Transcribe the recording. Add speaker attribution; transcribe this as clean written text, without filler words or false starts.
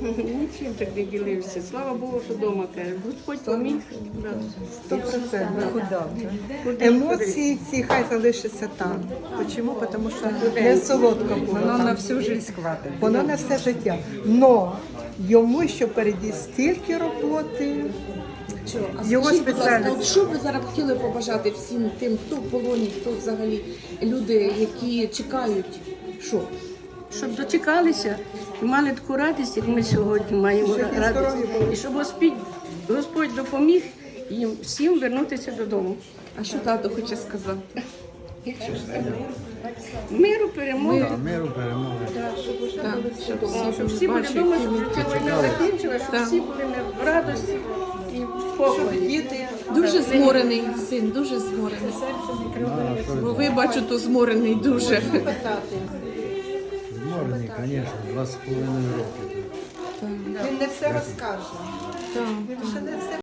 Speaker 1: Нічим так не ділився. Слава Богу, що вдома каже. Господь поміг. Да.
Speaker 2: 100%. Емоції ці хай залишаться там. Чому? Тому що не солодко було.
Speaker 3: Воно
Speaker 2: там.
Speaker 3: на всю життя хватить.
Speaker 2: Воно на все життя. Но йому ще впереді стільки роботи. Його
Speaker 4: Скажіть, будь ласка,
Speaker 2: спеціальність.
Speaker 4: от що ви зараз хотіли побажати всім тим, хто в полоні, хто взагалі люди, які чекають, що?
Speaker 1: Щоб дочекалися і мали таку радість, як ми сьогодні маємо
Speaker 2: Щоб і
Speaker 1: радість.
Speaker 2: здорові були.
Speaker 1: І щоб Господь допоміг їм всім вернутися додому.
Speaker 4: А що тато хоче сказати?
Speaker 1: Миру, перемоги.
Speaker 5: Миру, перемоги.
Speaker 4: Так,
Speaker 1: Щоб всі були вдома, щоб ця війна закінчилася, щоб всі були в радості і в покої.
Speaker 2: Діти.
Speaker 4: Дуже зморений син, дуже зморений. Бо ви, бачу, то зморений дуже.
Speaker 5: Зморений, звісно, 2,5 роки.
Speaker 2: Він не все розкаже. Він ще не все